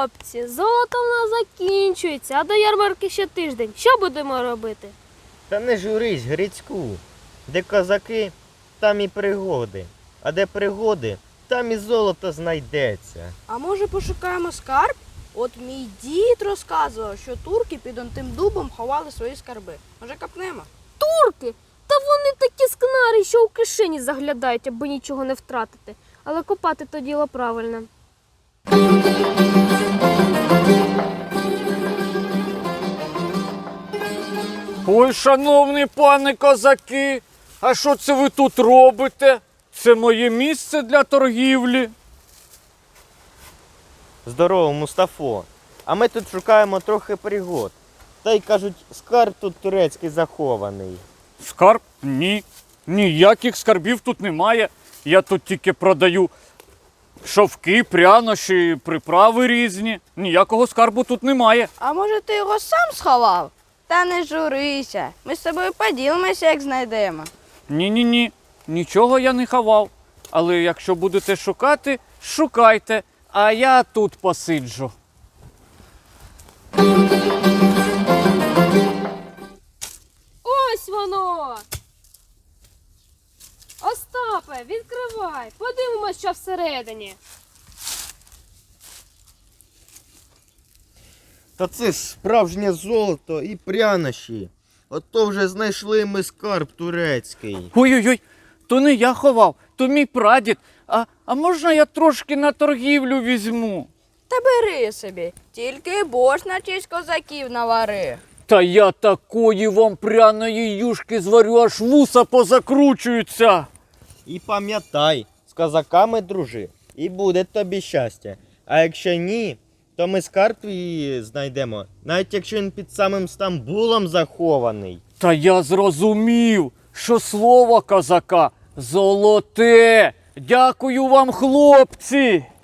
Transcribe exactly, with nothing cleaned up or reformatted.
Хлопці, золото в нас закінчується, а до ярмарки ще тиждень. Що будемо робити? Та не журись, Грицьку. Де козаки, там і пригоди. А де пригоди, там і золото знайдеться. А може пошукаємо скарб? От мій дід розказував, що турки під он тим дубом ховали свої скарби. Може копнемо? Турки? Та вони такі скнари, що у кишені заглядають, аби нічого не втратити. Але копати то діло правильне. Ой, шановні пане козаки, а що це ви тут робите? Це моє місце для торгівлі. Здорово, Мустафо. А ми тут шукаємо трохи пригод. Та й кажуть, скарб тут турецький захований. Скарб? Ні. Ніяких скарбів тут немає. Я тут тільки продаю шовки, прянощі, приправи різні. Ніякого скарбу тут немає. А може ти його сам сховав? Та не журися. Ми з тобою поділимося, як знайдемо. Ні-ні-ні, нічого я не ховав. Але якщо будете шукати, шукайте, а я тут посиджу. Ось воно! Остапе, відкривай, подивимось, що всередині. Та це ж справжнє золото і прянощі. Ото вже знайшли ми скарб турецький. Ой-ой-ой, то не я ховав, то мій прадід. А, а можна я трошки на торгівлю візьму? Та бери собі, тільки борщ на честь козаків навари. Та я такої вам пряної юшки зварю, аж вуса позакручуються. І пам'ятай, з козаками дружи, і буде тобі щастя. А якщо ні, то ми скарб твій знайдемо, навіть якщо він під самим Стамбулом захований. Та я зрозумів, що слово козака золоте. Дякую вам, хлопці.